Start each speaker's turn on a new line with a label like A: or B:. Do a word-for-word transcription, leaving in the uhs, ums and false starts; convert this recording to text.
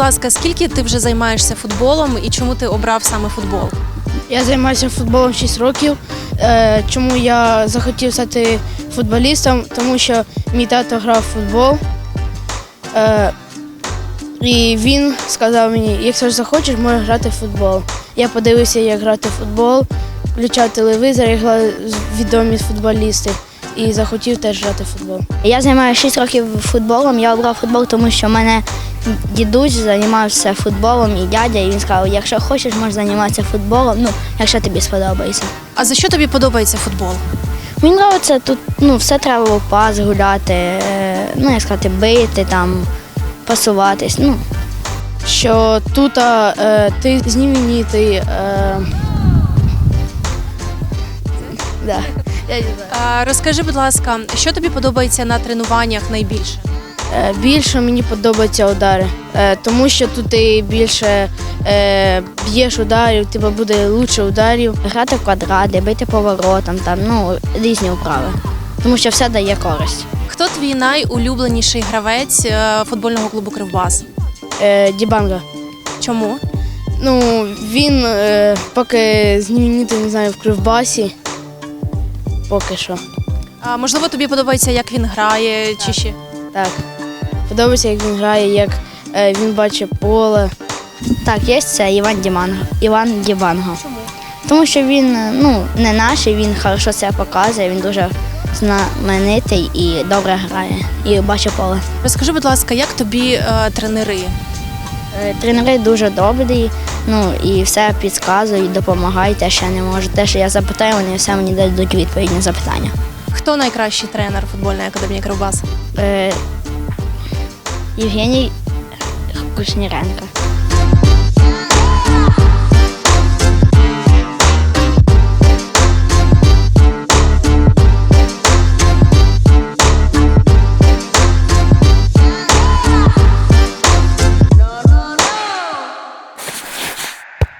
A: ласка, скільки ти вже займаєшся футболом і чому ти обрав саме футбол?
B: Я займаюся футболом шість років. Е, Чому я захотів стати футболістом? Тому що мій тато грав в футбол. Е, І він сказав мені, якщо ж захочеш, можеш грати в футбол. Я подивився, як грати в футбол, включав телевізор, як грали відомі футболісти. І захотів теж грати в футбол.
C: Я займаюся шість років футболом. Я обрав футбол, тому що в мене дідусь займався футболом і дядя, і він сказав, якщо хочеш, можеш займатися футболом, ну, якщо тобі сподобається.
A: А за що тобі подобається футбол?
C: Мені подобається тут, ну, все треба в пас гуляти, е, ну, як сказати, бити, там, пасуватись, ну.
B: Що тут е, ти знаменитий. Е, да. Я не знаю.
A: А, розкажи, будь ласка, що тобі подобається на тренуваннях найбільше?
B: Е, Більше мені подобаються удари, е, тому що тут ти більше е, б'єш ударів, тебе буде більше ударів.
C: Грати в квадрати, бити поворотом, там, ну, різні вправи, тому що все дає користь.
A: Хто твій найулюбленіший гравець е, футбольного клубу «Кривбас»?
B: Е, Дібанга.
A: Чому?
B: Ну, він е, поки знаменитий, не знаю, в Кривбасі, поки що.
A: А, можливо, тобі подобається, як він грає, чи ще?
B: Так. Подобається, як він грає, як е, він бачить поле.
C: Так, є це Іван Діманго, Іван Дібанго.
A: Чому?
C: Тому що він, ну, не наш, і він хорошо себе показує, він дуже знаменитий і добре грає, і бачить поле.
A: Розкажи, будь ласка, як тобі е, тренери?
C: Е, Тренери дуже добрі, ну, і все підказують, допомагають, те, що я не можу. Те, що я запитаю, вони все мені дадуть відповідь на запитання.
A: Хто найкращий тренер футбольної академії «Кривбас»?
C: Е, Євгеній Кушніренко.